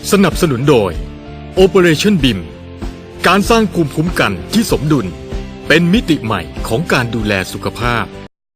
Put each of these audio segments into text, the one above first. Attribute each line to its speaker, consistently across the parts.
Speaker 1: สนับสนุนโดย Operation BIM การสร้างภูมิคุ้มกันที่สมดุลเป็นมิติใหม่ของการดูแลสุขภาพ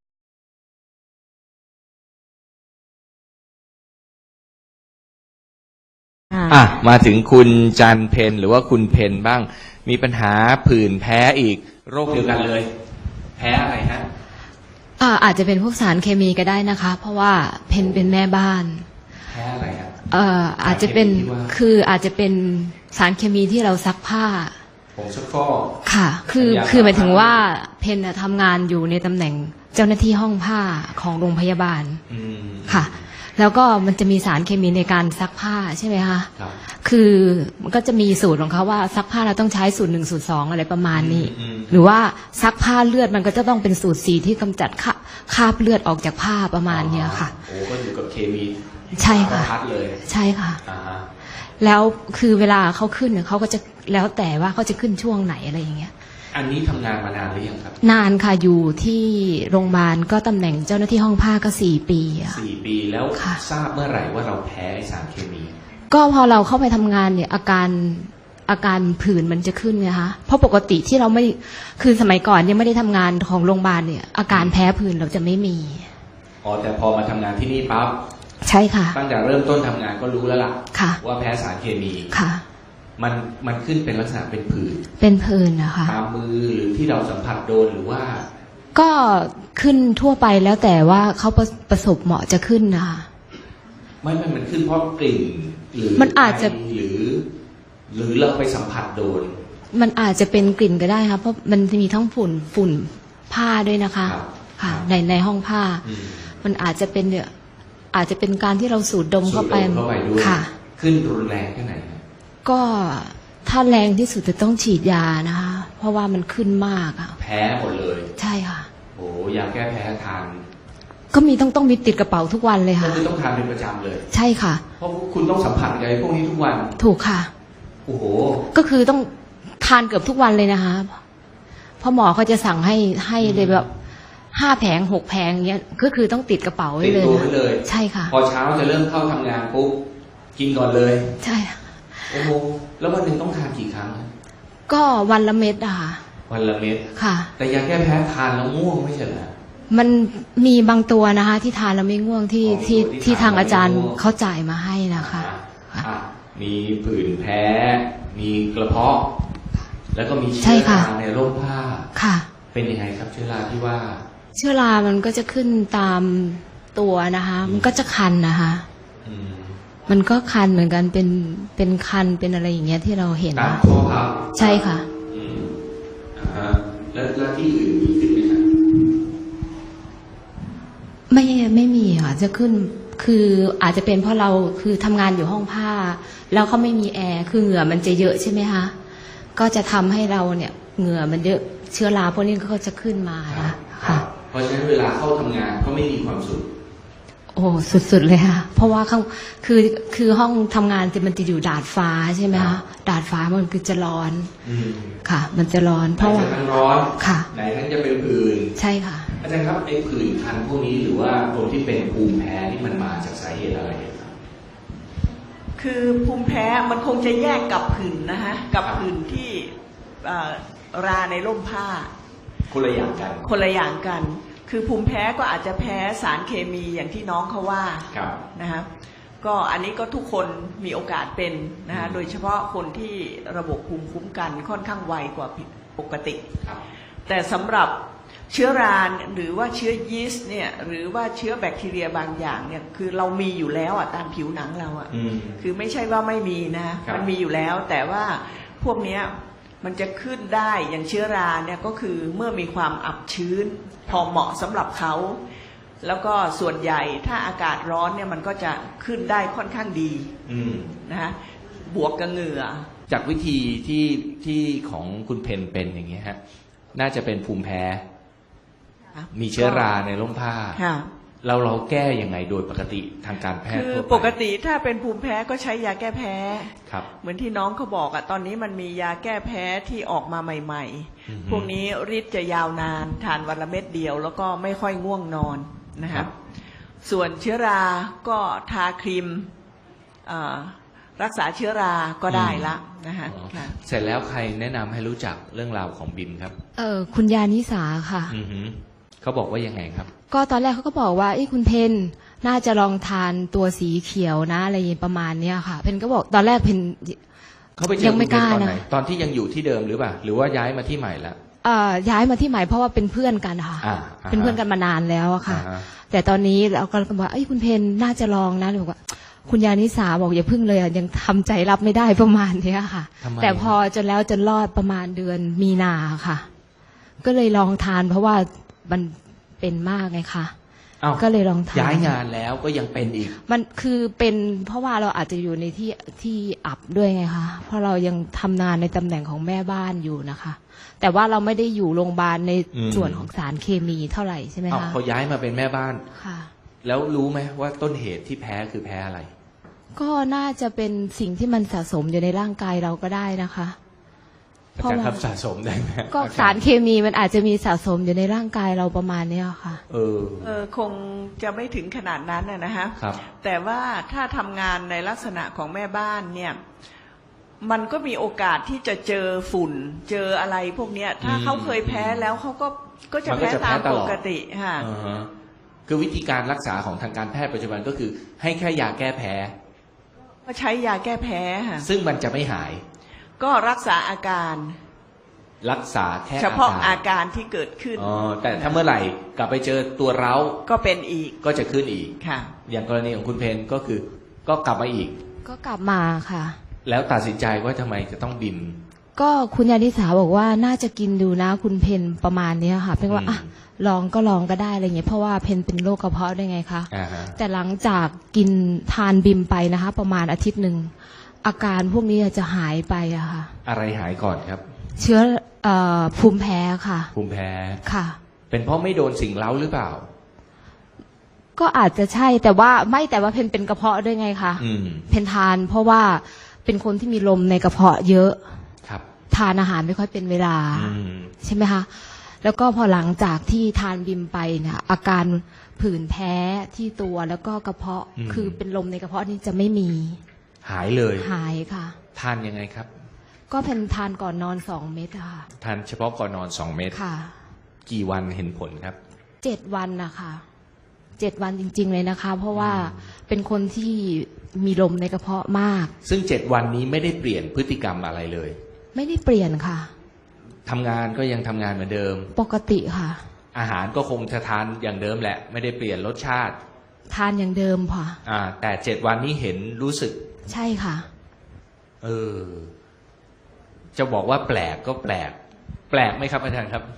Speaker 2: มาถึงคุณจันเพนหรือว่าคุณเพนบ้างมีปัญหาผื่นแพ้อีกโรคเดียวกันเลยแพ้อะไรฮะ
Speaker 3: อาจจะเป็นพวกสารเคมีก็ได้นะคะเพราะว่าเพนเป็นแม่บ้าน
Speaker 2: แพ้อะไรฮะ
Speaker 3: อาจจะเป็นอาจจะเป็นสารเคมีที่เราซักผ้า
Speaker 2: ผงซักฟอก
Speaker 3: ค่ะคือหมายถึงว่าเพนทำงานอยู่ในตำแหน่งเจ้าหน้าที่ห้องผ้าของโรงพยาบาลค่ะแล้วก็มันจะมีสารเคมีในการซักผ้าใช่ไหมคะคือมันก็จะมีสูตรของเขาว่าซักผ้าเราต้องใช้สูตร1สูตร2อะไรประมาณนี้หรือว่าซักผ้าเลือดมันก็จะต้องเป็นสูตร4ที่กำจัดคราบเลือดออกจากผ้าประมาณนี้ค่ะ
Speaker 2: โอ้ก็อยู่กับเคมี
Speaker 3: ใช่ค่ะใช่ค่ะแล้วคือเวลาเขาขึ้นเขาก็จะแล้วแต่ว่าเขาจะขึ้นช่วงไหนอะไรอย่างเงี้ย
Speaker 2: อันนี้ทำงานมานานหรือยังครับ
Speaker 3: นานค่ะอยู่ที่โรงพยาบาลก็ตำแหน่งเจ้าหน้าที่ห้องผ้าก็4 ปี
Speaker 2: 4 ปีแล้วทราบเมื่อไหร่ว่าเราแพ้สารเคมี
Speaker 3: ก็พอเราเข้าไปทำงานเนี่ยอาการผื่นมันจะขึ้นไงคะเพราะปกติที่เราไม่คือสมัยก่อนยังไม่ได้ทำงานของโรงพยาบาลเนี่ยอาการแพ้ผื่นเราจะไม่มี
Speaker 2: แต่พอมาทำงานที่นี่ปั๊บ
Speaker 3: ใช่ค่ะ
Speaker 2: ตั้งแต่เริ่มต้นทำงานก็รู้แล้วล่ะว่าแพ้สารเคมี
Speaker 3: ค่ะ
Speaker 2: มันขึ้นเป็นลักษณะเป็น
Speaker 3: ผื่นนะคะ
Speaker 2: ตามมือหรือที่เราสัมผัสโดนหรือว่า
Speaker 3: ก็ขึ้นทั่วไปแล้วแต่ว่าเขาประสบเหมาะจะขึ้นนะคะ
Speaker 2: มันขึ้นเพราะกลิ่นหรือ
Speaker 3: มันอาจจะ
Speaker 2: หรือเราไปสัมผัสโดน
Speaker 3: มันอาจจะเป็นกลิ่นก็ได้ค่ะเพราะมันจะมีทั้งฝุ่นผ้าด้วยนะคะค่ะในห้องผ้ามันอาจจะเป็นเนี่ยอาจจะเป็นการที่เราสูดดมเข้าไป
Speaker 2: ค่ะขึ้นรุนแรงแค่ไหน
Speaker 3: ก็ถ้าแรงที่สุดจะต้องฉีดยานะคะเพราะว่ามันขึ้นมาก
Speaker 2: แพ้หมดเลย
Speaker 3: ใช่ค่ะ
Speaker 2: โอ้ยาแก้แพ้ทาน
Speaker 3: ก็ต้องมีติดกระเป๋าทุกวันเลยค่ะ
Speaker 2: คือต้องทานเป็นประจำเลย
Speaker 3: ใช่ค่ะ
Speaker 2: เพราะคุณต้องสัมผัสกับพวกนี้ทุกวัน
Speaker 3: ถูกค่ะ
Speaker 2: โอ้โห
Speaker 3: ก็คือต้องทานเกือบทุกวันเลยนะคะเพราะหมอเขาจะสั่งให้เลยแบบ5 แผง 6 แผงเงี้ยก็คือต้องติดกระเป๋าไว้เลยใช่ค่ะ
Speaker 2: พอเช้าจะเริ่มเข้าทำงานปุ๊บกินก่อนเลย
Speaker 3: ใช่
Speaker 2: โอ้โหแล้ววันหนึ่งต้องทานกี่ครั้ง
Speaker 3: ก็วันละเม็ดอะค่ะ
Speaker 2: วันละเม็ด
Speaker 3: ค่ะ
Speaker 2: แต่ยาแก้แพ้ทานแล้วง่วงไม่ใช่เหรอ
Speaker 3: มันมีบางตัวนะคะที่ทานแล้วไม่ง่วงที่ทางอาจารย์เขาจ่ายมาให้นะคะ
Speaker 2: มีผื่นแพ้มีกระเพาะแล้วก็มีเชื้อราในร่มผ้า
Speaker 3: ค่ะ
Speaker 2: เป็นยังไงครับเชื้อราที่ว่า
Speaker 3: เชื้อรามันก็จะขึ้นตามตัวนะคะมันก็จะคันนะคะมันก็คันเหมือนกันเป็นคันเป็นอะไรอย่างเงี้ยที่เราเห็น
Speaker 2: ตามคอพับ
Speaker 3: ใช่ค่ะ
Speaker 2: แล้วที่อื่นมีขึ้นไหมครับ
Speaker 3: ไม่มีค่ะจะขึ้นคืออาจจะเป็นเพราะเราคือทำงานอยู่ห้องผ้าแล้วเขาไม่มีแอร์คือเหงื่อมันจะเยอะใช่ไหมคะก็จะทำให้เราเนี่ยเหงื่อมันเยอะเชื้อราพวกนี้ก็จะขึ้นมานะค่ะ
Speaker 2: เพราะฉะนั้นเวลาเข้าทำงานก็ไม่มีความสุข
Speaker 3: โอ้สุดๆเลยค่ะเพราะว่าคือห้องทำงานมันจะอยู่ดาดฟ้าใช่ไหมคะดาดฟ้ามันคือจะร้อนค่ะมันจะร้อนเพราะว่า
Speaker 2: ทั้งร้อน
Speaker 3: ค่ะ
Speaker 2: ไหนทั้งจะเป็นผื่น
Speaker 3: ใช่ค่ะ
Speaker 2: อาจารย์ครับไอ้ผื่นคันพวกนี้หรือว่าคนที่เป็นภูมิแพ้นี่มันมาจากสาเหตุอะไรครับ
Speaker 4: คือภูมิแพ้มันคงจะแยกกับผื่นนะคะกับผื่นที่ราในร่มผ้า
Speaker 2: คนละอย่าง
Speaker 4: กันคือภูมิแพ้ก็อาจจะแพ้สารเคมีอย่างที่น้องเขาว่านะคะก็อันนี้ก็ทุกคนมีโอกาสเป็นนะคะโดยเฉพาะคนที่ระบบภูมิคุ้มกันค่อนข้างไวกว่าปกติแต่สำหรับเชื้อราหรือว่าเชื้อยีสต์เนี่ยหรือว่าเชื้อแบคทีเรียบางอย่างเนี่ยคือเรามีอยู่แล้วตามผิวหนังเราคือไม่ใช่ว่าไม่มีนะมันมีอยู่แล้วแต่ว่าพวกเนี้ยมันจะขึ้นได้อย่างเชื้อราเนี่ยก็คือเมื่อมีความอับชื้นพอเหมาะสำหรับเขาแล้วก็ส่วนใหญ่ถ้าอากาศร้อนเนี่ยมันก็จะขึ้นได้ค่อนข้างดีนะฮะบวกกับเหงื่อ
Speaker 2: จากวิธีที่ของคุณเพนเป็นอย่างนี้ฮะน่าจะเป็นภูมิแพ้มีเชื้อราในร่มผ้าเราแก้ยังไงโดยปกติทางการแพทย์
Speaker 4: คือปกติถ้าเป็นภูมิแพ้ก็ใช้ยาแก้แพ้เหมือนที่น้องเขาบอกตอนนี้มันมียาแก้แพ้ที่ออกมาใหม่ๆพวกนี้ฤทธิ์จะยาวนานทานวันละเม็ดเดียวแล้วก็ไม่ค่อยง่วงนอนนะครับส่วนเชื้อราก็ทาครีมรักษาเชื้อราก็ได้ละนะคะ
Speaker 2: อ๋อ
Speaker 4: ค่ะ
Speaker 2: เสร็จแล้วใครแนะนำให้รู้จักเรื่องราวของบิมครับ
Speaker 3: คุณยานิสาค่ะ
Speaker 2: อือหือเขาบอกว่ายังไงครับ
Speaker 3: ก็ตอนแรกเขาก็บอกว่าคุณเพนน่าจะลองทานตัวสีเขียวนะอะไรประมาณเนี้ยค่ะ เพนก็บอกตอนแรกเพน
Speaker 2: เขาไปเจอ
Speaker 3: ยังไม่
Speaker 2: คุณเพน
Speaker 3: กล้า
Speaker 2: ตอนไหน
Speaker 3: นะ
Speaker 2: ตอนที่ยังอยู่ที่เดิมหรือเปล่าหรือว่าย้ายมาที่ใหม่แล้ว
Speaker 3: ย้ายมาที่ใหม่เพราะว่าเป็นเพื่อนกันค่ะ เป็นเพื่อนกันมานานแล้วอะค่ะ
Speaker 2: อ่าฮะ
Speaker 3: แต่ตอนนี้เราก็บอกว่าคุณเพนน่าจะลองนะเลยบอกว่าคุณยานิสาบอกอย่าพึ่งเลยอะยังทำใจรับไม่ได้ประมาณเนี้ยค่ะ
Speaker 2: ทำไม
Speaker 3: แต่พอจนแล้วจนรอดประมาณเดือนมีนาค่ะ ก็เลยลองทานเพราะว่ามันเป็นมากไงคะ
Speaker 2: อ้าว
Speaker 3: ก็เลยลองทาน
Speaker 2: ย้ายงานแล้วก็ยังเป็นอีก
Speaker 3: มันคือเป็นเพราะว่าเราอาจจะอยู่ในที่อับด้วยไงคะเพราะเรายังทำงานในตำแหน่งของแม่บ้านอยู่นะคะ แต่ว่าเราไม่ได้อยู่โรงพยาบาลใน
Speaker 2: อืม
Speaker 3: ส่วนของสารเคมีเท่าไหร่ใช่ไหม
Speaker 2: อ้าว
Speaker 3: คะ
Speaker 2: พอย้ายมาเป็นแม่บ้าน
Speaker 3: ค่ะ
Speaker 2: แล้วรู้ไหมว่าต้นเหตุที่แพ้คือแพ้อะไร
Speaker 3: ก็น่าจะเป็นสิ่งที่มันสะสมอยู่ในร่างกายเราก็ได้นะคะ
Speaker 2: อาจารย์ครับสะสมได้ไหม
Speaker 3: ก็สารเคมีมันอาจจะมีสะสมอยู่ในร่างกายเราประมาณเนี้ยค่ะ
Speaker 4: คงจะไม่ถึงขนาดนั้นนะฮะ
Speaker 2: ครับ
Speaker 4: แต่ว่าถ้าทำงานในลักษณะของแม่บ้านเนี่ย มันก็มีโอกาสที่จะเจอฝุ่น เจออะไรพวกเนี้ย ถ้าเขาเคยแพ้แล้วเขาก็จะ
Speaker 2: มันก็
Speaker 4: แพ้
Speaker 2: จะ
Speaker 4: ตาม
Speaker 2: แพ้ต
Speaker 4: ป
Speaker 2: ลอด
Speaker 4: กติค่ะ
Speaker 2: อ่าฮะคือวิธีการรักษาของทางการแพทย์ปัจจุบันก็คือให้แค่ยาแก้แพ้
Speaker 4: ก็ใช้ยาแก้แพ้ค่ะ
Speaker 2: ซึ่งมันจะไม่หาย
Speaker 4: ก็รักษาอาการ
Speaker 2: รักษาแค่
Speaker 4: เฉพาะอาการที่เกิดขึ้น
Speaker 2: อ๋อแต่ถ้าเมื่อไหร่กลับไปเจอตัวเร้า
Speaker 4: ก็เป็นอีก
Speaker 2: ก็จะขึ้นอีก
Speaker 4: ค่ะ
Speaker 2: อย่างกรณีของคุณเพนก็คือก็กลับมาอีก
Speaker 3: ก็กลับมาค่ะ
Speaker 2: แล้วตัดสินใจว่าทำไมจะต้องบิม
Speaker 3: ก็คุณยานิสาบอกว่าน่าจะกินดูนะคุณเพนประมาณเนี้ยค่ะเพนว่า
Speaker 2: อืม
Speaker 3: อ่ะลองก็ได้อะไรเงี้ยเพราะว่าเพนเป็นโรคกระเพาะได้ไงคะ
Speaker 2: อ่าฮะ
Speaker 3: แต่หลังจากกินทานบิมไปนะคะ ประมาณอาทิตย์หนึ่งอาการพวกนี้จะหายไปอะค่ะ
Speaker 2: อะไรหายก่อนครับ
Speaker 3: เชื้อภูมิแพ้ค่ะ
Speaker 2: ภูมิแพ้
Speaker 3: ค่ะ
Speaker 2: เป็นเพราะไม่โดนสิ่งเล้าหรือเปล่า
Speaker 3: ก็อาจจะใช่แต่ว่าเพนเป็นกระเพาะด้วยไงคะ
Speaker 2: อืม
Speaker 3: เพนทานเพราะว่าเป็นคนที่มีลมในกระเพาะเยอะ
Speaker 2: ครับ
Speaker 3: ทานอาหารไม่ค่อยเป็นเวลา
Speaker 2: อืม
Speaker 3: ใช่ไหมคะแล้วก็พอหลังจากที่ทานบิมไปเนี่ยอาการผื่นแพ้ที่ตัวแล้วก็กระเพาะคือเป็นลมในกระเพาะนี่จะไม่มี
Speaker 2: หายเลย
Speaker 3: หายค่ะ
Speaker 2: ทานยังไงครับ
Speaker 3: ก็เพนทานก่อนนอน2 เม็ดอะค่ะ
Speaker 2: ทานเฉพาะก่อนนอน2 เม็ด
Speaker 3: ค่ะ
Speaker 2: กี่วันเห็นผลครับ
Speaker 3: 7 วันนะคะ7 วันจริง ๆ เลยนะคะ เพราะว่าเป็นคนที่มีลมในกระเพาะมาก
Speaker 2: ซึ่ง7 วันนี้ไม่ได้เปลี่ยนพฤติกรรมอะไรเลย
Speaker 3: ไม่ได้เปลี่ยนค่ะ
Speaker 2: ทำงานก็ยังทำงานเหมือนเดิม
Speaker 3: ปกติค่ะ
Speaker 2: อาหารก็คงจะทานอย่างเดิมแหละ ไม่ได้เปลี่ยนรสชาติ
Speaker 3: ทานอย่างเดิมค่ะ
Speaker 2: แต่7 วันนี้เห็นรู้สึก
Speaker 3: ใช่ค่ะ
Speaker 2: จะบอกว่าแปลกก็แปลก แปลกไหมครับอาจารย์ครับ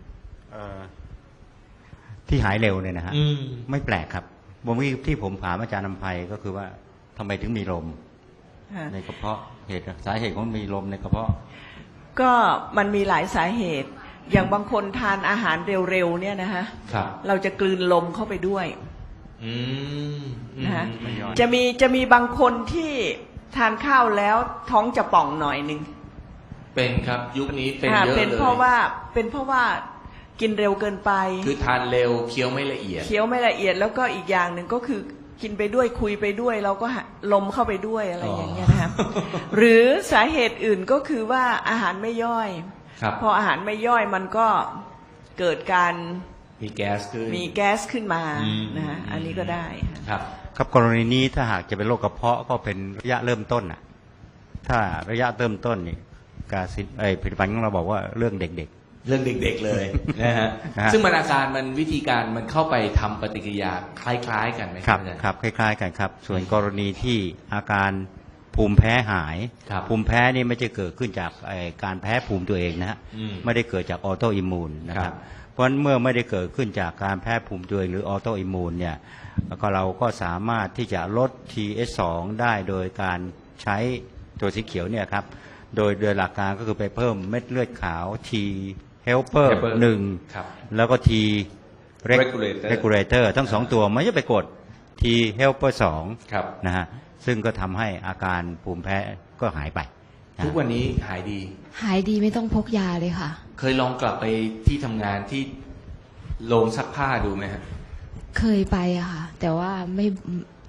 Speaker 5: ที่หายเร็วเนี่ยนะฮะ
Speaker 2: อืม
Speaker 5: ไม่แปลกครับที่ผมถามอาจารย์นำไพก็คือว่าทำไมถึงมีลม
Speaker 4: ค่ะ
Speaker 5: ในกระเพาะสาเหตุของมีลมในกระเพาะ
Speaker 4: ก็มันมีหลายสาเหตุ อย่างบางคนทานอาหารเร็วๆเนี่ยนะฮะ
Speaker 2: ครับ
Speaker 4: เราจะกลืนลมเข้าไปด้วย
Speaker 2: อืม
Speaker 4: นะฮะ
Speaker 5: ไม่ย่อย
Speaker 4: จะมีบางคนที่ทานข้าวแล้วท้องจะป่องหน่อยหนึ่ง
Speaker 2: เป็นครับยุคนี้เป็น
Speaker 4: อ่า
Speaker 2: เยอะ
Speaker 4: เป็น
Speaker 2: เลย
Speaker 4: เพราะว่ากินเร็วเกินไป
Speaker 2: คือทานเร็วเคี้ยวไม่ละเอียด
Speaker 4: เคี้ยวไม่ละเอียดแล้วก็อีกอย่างหนึ่งก็คือกินไปด้วยคุยไปด้วยเราก็ลมเข้าไปด้วยอะไรอย่างเงี้ยนะครับ หรือสาเหตุอื่นก็คือว่าอาหารไม่ย่อย
Speaker 2: ครับ
Speaker 4: พออาหารไม่ย่อยมันก็เกิดการ
Speaker 2: มีแก๊สขึ้น
Speaker 4: มีแก๊สขึ้นมา
Speaker 2: อืม
Speaker 4: นะฮะอันนี้ก็ได้ค่ะ
Speaker 2: ครับ
Speaker 5: ครับกรณีนี้ถ้าหากจะเป็นโรคกระเพาะก็เป็นระยะเริ่มต้นน่ะ ถ้าระยะเริ่มต้นนี่ผลิตภัณฑ์ของเราบอกว่าเรื่องเด็ก
Speaker 2: เรื่องเด็กๆเลยนะฮะ
Speaker 5: นะฮะ
Speaker 2: ซึ่งมันอาการมันวิธีการมันเข้าไปทำปฏิกิริยาคล้ายๆกันไหม
Speaker 5: ๆ
Speaker 2: ครับอาจารย์
Speaker 5: ครับคล้ายๆกันครับ ส่วนกรณีที่อาการภูมิแพ้หาย
Speaker 2: ครับ
Speaker 5: ภูมิแพ้นี่ไม่ใช่เกิดขึ้นจากการแพ้ภูมิตัวเองนะฮะ
Speaker 2: อืม
Speaker 5: ไม่ได้เกิดจากออโตอิมมูนนะค
Speaker 2: ครั
Speaker 5: รับบ เพราะฉะนั้นเมื่อไม่ได้เกิดขึ้นจากการแพ้ภูมิตัวเองหรือออโตอิมมูนเนี่ยก็เราก็สามารถที่จะลด TS2 ได้โดยการใช้ตัวสีเขียวเนี่ยครับโดยหลักการก็คือไปเพิ่มเม็ดเลือดขาว T helper
Speaker 2: ครับ
Speaker 5: 1แล้วก็ T regulator ทั้งสองตัวไม่ใช่ไปกด T helper
Speaker 2: ครับ
Speaker 5: 2นะฮะซึ่งก็ทำให้อาการภูมิแพ้ก็หายไปนะ
Speaker 2: ทุกวันนี้หายดี
Speaker 3: หายดีไม่ต้องพกยาเลยค่ะ
Speaker 2: เคยลองกลับไปที่ทำงานที่โรงซักผ้าดูไหมฮะ
Speaker 3: เคยไปอะค่ะ แต่ว่าไม่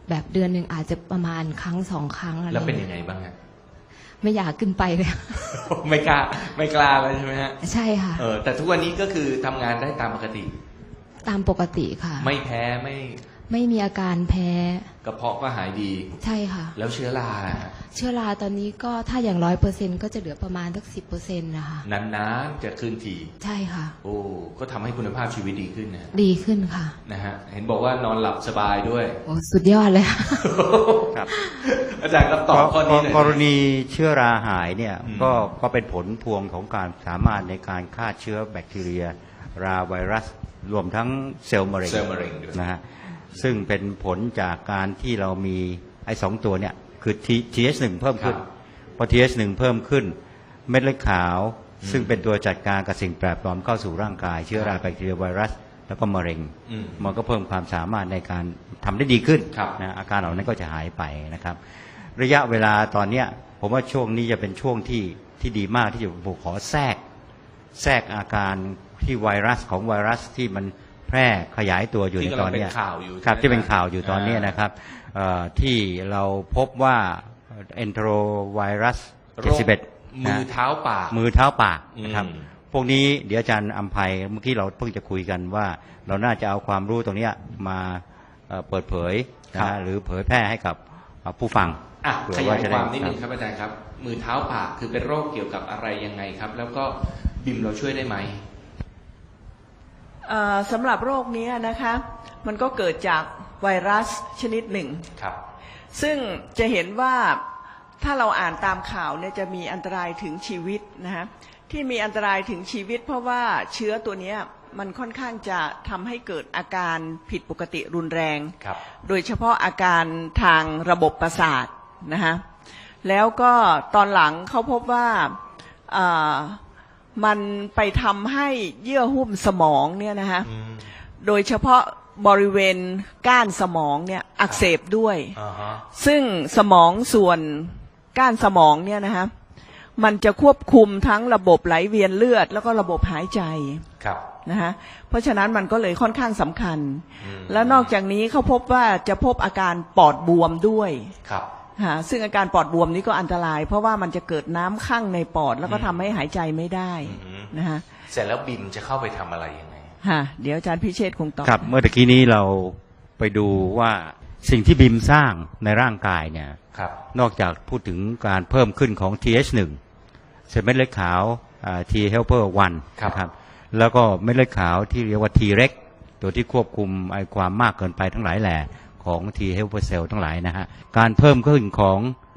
Speaker 3: แบบเดือนหนึ่งอาจจะประมาณครั้ง2 ครั้งอะไร
Speaker 2: แล้วเป็นยังไงบ้างฮะ
Speaker 3: ไม่อยากขึ้นไปเลย
Speaker 2: ไม่กล้าแล้วใช่ไหมฮะ
Speaker 3: ใช่ค่ะ
Speaker 2: แต่ทุกวันนี้ก็คือทำงานได้ตามปกติ
Speaker 3: ตามปกติค่ะ
Speaker 2: ไม่แพ้ไม่
Speaker 3: ไม่มีอาการแพ้
Speaker 2: กระเพาะก็หายดี
Speaker 3: ใช่ค่ะ
Speaker 2: แล้วเชื้อราล่ะฮะ
Speaker 3: เชื้อราตอนนี้ก็ถ้าอย่าง100%ก็จะเหลือประมาณสัก10%นะคะ
Speaker 2: นานๆจะขึ้นที
Speaker 3: ใช่ค่ะ
Speaker 2: โอ้ก็ทำให้คุณภาพชีวิตดีขึ้นนะ
Speaker 3: ดีขึ้นค่ะ
Speaker 2: นะฮะเห็นบอกว่านอนหลับสบายด้วย
Speaker 3: โอ้สุดยอดเลยค่ะ
Speaker 5: ครับ
Speaker 2: อาจารย์ครับตอบข้อนี้หน่อย
Speaker 5: กรณีเชื้อราหายเนี่ย
Speaker 2: อืม
Speaker 5: ก็เป็นผลพวงของการสามารถในการฆ่าเชื้อแบคทีเรีย ราไวรัส รวมทั้งเซลล์มะเร็ง
Speaker 2: เซลล์มะเร็งด้วย
Speaker 5: นะฮะซึ่งเป็นผลจากการที่เรามีไอ้2 ตัวเนี่ยคือ TH1 เพิ่มขึ้น พอ TH1 เพิ่มขึ้น เม็ดเลือดขาว ซึ่งเป็นตัวจัดการกับสิ่งแปลกปลอมเข้าสู่ร่างกาย เชื้อราแบคทีเรียไวรัส แล้วก็มะเร็ง
Speaker 2: อืม
Speaker 5: มันก็เพิ่มความสามารถในการทำได้ดีขึ้น
Speaker 2: ครับ
Speaker 5: นะอาการเหล่านั้นก็จะหายไปนะครับ ระยะเวลาตอนเนี้ยผมว่าช่วงนี้จะเป็นช่วงที่ดีมากที่จะผมขอแทรกอาการที่ไวรัสของไวรัสที่มันแพร่ขยายตัวอยู่ในตอนเนี้ย
Speaker 2: ที่กำลังเป็นข่าวอยู่
Speaker 5: ครับ
Speaker 2: ใช่ไหม
Speaker 5: ที่เป็นข่าวอยู่ตอนเนี้ยนะครับที่เราพบว่าเอนโทรไวรัส
Speaker 2: โรค
Speaker 5: 71
Speaker 2: มือเท้าปาก
Speaker 5: มือเท้าปากนะครับ
Speaker 2: อืม
Speaker 5: พวกนี้เดี๋ยวอาจารย์อัมภัยเมื่อกี้เราเพิ่งจะคุยกันว่าเราน่าจะเอาความรู้ตรงเนี้ยมาเปิดเผยนะฮะหรือเผยแพร่ให้กับผู้ฟัง
Speaker 2: อ่ะ
Speaker 5: เผื่
Speaker 2: ข
Speaker 5: อย
Speaker 2: าย
Speaker 5: จะ
Speaker 2: ค
Speaker 5: ได้
Speaker 2: วามนิดนึงครับอาจารย์ครับ มือเท้าปากคือเป็นโรคเกี่ยวกับอะไรยังไงครับ แล้วก็บิมเราช่วยได้ไหม
Speaker 4: สำหรับโรคนี้นะคะมันก็เกิดจากไวรัสชนิดหนึ่ง
Speaker 2: ครับ
Speaker 4: ซึ่งจะเห็นว่าถ้าเราอ่านตามข่าวเนี่ยจะมีอันตรายถึงชีวิตนะฮะที่มีอันตรายถึงชีวิต เพราะว่าเชื้อตัวเนี้ยมันค่อนข้างจะทำให้เกิดอาการผิดปกติรุนแรง
Speaker 2: ครับ
Speaker 4: โดยเฉพาะอาการทางระบบประสาทนะฮะแล้วก็ตอนหลังเขาพบว่ามันไปทำให้เยื่อหุ้มสมองเนี่ยนะฮะโดยเฉพาะบริเวณก้านสมองเนี่ยอักเสบด้วย
Speaker 2: อ่าฮะ
Speaker 4: ซึ่งสมองส่วนก้านสมองเนี่ยนะฮะมันจะควบคุมทั้งระบบไหลเวียนเลือดแล้วก็ระบบหายใจ
Speaker 2: ครับ
Speaker 4: นะฮะเพราะฉะนั้นมันก็เลยค่อนข้างสำคัญ
Speaker 2: อืม
Speaker 4: แล้วนอกจากนี้เขาพบว่าจะพบอาการปอดบวมด้วย
Speaker 2: ครับ
Speaker 4: ซึ่งอาการปอดบวมนี้ก็อันตราย เพราะว่ามันจะเกิดน้ำข้างในปอดแล้วก็ทำให้หายใจไม่ได้
Speaker 2: อืม
Speaker 4: นะฮะ
Speaker 2: เสร็จแล้วบิมจะเข้าไปทำอะไรยังไง
Speaker 4: เดี๋ยวอาจารย์พิเชษฐ์คงตอบ
Speaker 5: ครับเมื่อตะกี้นี้เราไปดูว่าสิ่งที่บิมสร้างในร่างกายเนี่ย
Speaker 2: ครับ
Speaker 5: นอกจากพูดถึงการเพิ่มขึ้นของ TH1 เซลล์เม็ดเลือดขาว T helper 1
Speaker 2: ครับ
Speaker 5: นะครับแล้วก็เม็ดเลือดขาวที่เรียกว่า T reg ตัวที่ควบคุมไอความมากเกินไปทั้งหลายแหล่ของ T helper cell ทั้งหลายนะฮะการเพิ่มขึ้นของ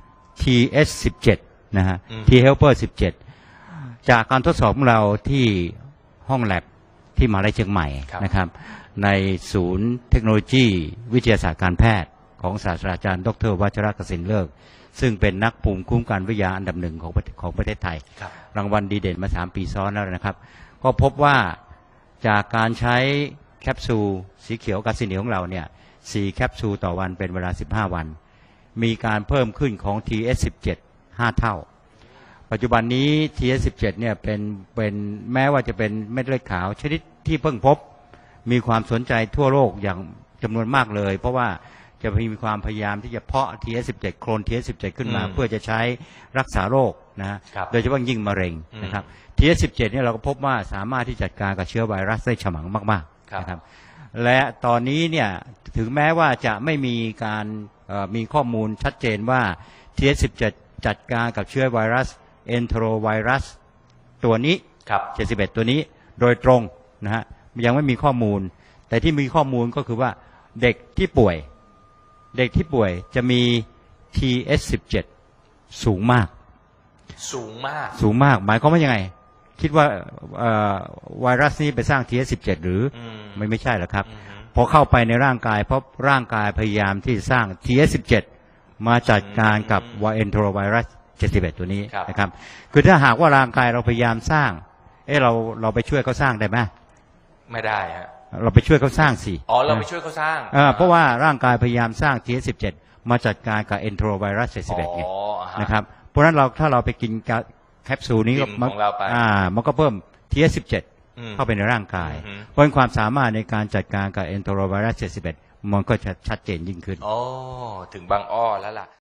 Speaker 5: TH17 นะฮะ T helper 17 จากการทดสอบของเราที่ห้องแลบที่มหาวิทยาลัยเชียงใหม่
Speaker 2: ครับ
Speaker 5: นะครับในศูนย์เทคโนโลยีวิทยาศาสตร์การแพทย์ของศาสตราจารย์ดร.วัชรกสินเลิกซึ่งเป็นนักภูมิคุ้มกันวิทยาอันดับหนึ่งของประเทศไทย
Speaker 2: ครับ
Speaker 5: รางวัลดีเด่นมา3 ปีซ้อนแล้วนะครับ ก็พบว่าจากการใช้แคปซูลสีเขียวกาซิเนียของเราเนี่ย4แคปซูลต่อวันเป็นเวลา15 วัน มีการเพิ่มขึ้นของ TS17 5 เท่า ปัจจุบันนี้ TS17 เนี่ยเป็นแม้ว่าจะเป็นเม็ดเลือดขาวชนิดที่เพิ่งพบ มีความสนใจทั่วโลกอย่างจำนวนมากเลย เพราะว่าจะมีความพยายามที่จะเพาะ TS17 โคลน TS17 ขึ้นมา เพื่อจะใช้รักษาโรคนะฮะ
Speaker 2: ครับ
Speaker 5: โดยเฉพาะยิ่งมะเร็งนะครับ TS17 เนี่ยเราก็พบว่าสามารถที่จัดการกับเชื้อไวรัสได้ฉมังมากๆนะครับและตอนนี้เนี่ยถึงแม้ว่าจะไม่มีการมีข้อมูลชัดเจนว่า TS17 จัดการกับเชื้อไวรัสเอนโทรไวรัสตัวนี้
Speaker 2: ครับ
Speaker 5: 71 ตัวนี้โดยตรงนะฮะยังไม่มีข้อมูล แต่ที่มีข้อมูลก็คือว่าเด็กที่ป่วยจะมี TS17 สูงมาก
Speaker 2: สูงมาก
Speaker 5: หมายความว่ายังไง คิดว่าไวรัสนี้ไปสร้าง TS17 หรือไม่ใช่หรอกครับ พอเข้าไปในร่างกายเพราะร่างกายพยายามที่จะสร้าง TS17 มาจัดการกับเอนโทรไวรัส71 ตัวนี้
Speaker 2: ครับ
Speaker 5: นะครับคือถ้าหากว่าร่างกายเราพยายามสร้างเราไปช่วยเขาสร้างได้ไหม
Speaker 2: ไม่ได้ฮะ
Speaker 5: เราไปช่วยเขาสร้างสิ
Speaker 2: อ๋อเราไปช่วยเขาสร้าง
Speaker 5: เพราะว่าร่างกายพยายามสร้าง TS17 มาจัดการกับเอนโทรไวรัส71ไง
Speaker 2: อ๋อฮ
Speaker 5: นะครับเพราะฉะนั้นถ้าเราไปกินแคปซูลนี้
Speaker 2: บิมของเราไป
Speaker 5: มันก็เพิ่ม TS17
Speaker 2: อืม
Speaker 5: เข้าไปในร่างกาย
Speaker 2: อืม
Speaker 5: เพราะฉะนั้นความสามารถในการจัดการกับเอนโทรไวรัส71 มันก็จะชัดเจนยิ่งขึ้น
Speaker 2: อ๋อถึงบางอ้อแล้วล่ะ